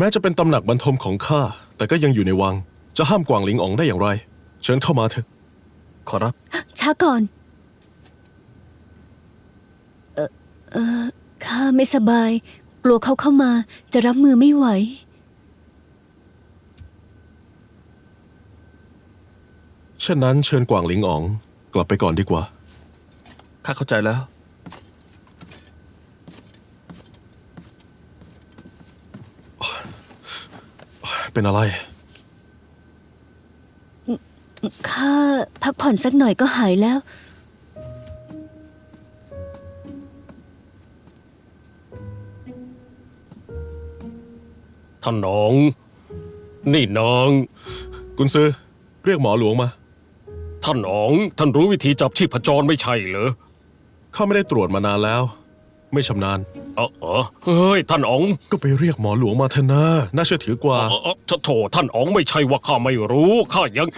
แม้จะเป็นตำหนักบรรทมของข้าแต่ก็ยังอยู่ในวังจะห้ามกวางหลิงอ๋องได้อย่างไรเชิญเข้ามาเถอะขอรับช้าก่อนข้าไม่สบายกลัวเขาเข้ามาจะรับมือไม่ไหวเช่นนั้นเชิญกวางหลิงอ๋องกลับไปก่อนดีกว่าข้าเข้าใจแล้วเป็นอะไรข้าพักผ่อนสักหน่อยก็หายแล้วท่านน้องนี่น้องกุนซือเรียกหมอหลวงมาท่านอ๋องท่านรู้วิธีจับชีพจรไม่ใช่เหรอข้าไม่ได้ตรวจมานานแล้วไม่ชำนาญเฮ้ยท่านอ๋องก็ไปเรียกหมอหลวงมาเถอะนะน่าเชื่อถือกว่าโถท่านอ๋องไม่ใช่ว่าข้าไม่รู้ข้ายัง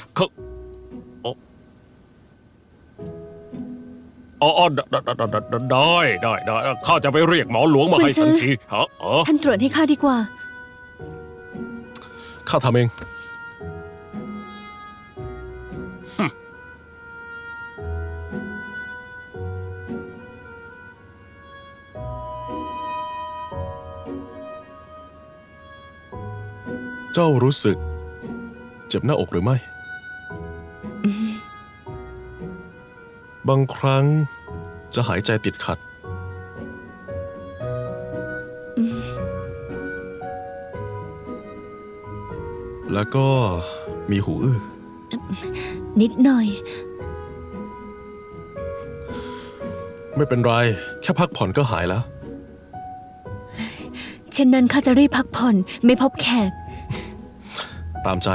ได้ข้าจะไปเรียกหมอหลวงมาให้ทันทีท่านตรวจให้ข้าดีกว่าข้าทำเองเจ้ารู้สึกเจ็บหน้าอกหรือไม่บางครั้งจะหายใจติดขัดแล้วก็มีหูอื้อนิดหน่อยไม่เป็นไรแค่พักผ่อนก็หายแล้วเช่นนั้นข้าจะรีบพักผ่อนไม่พบแขกตามใจ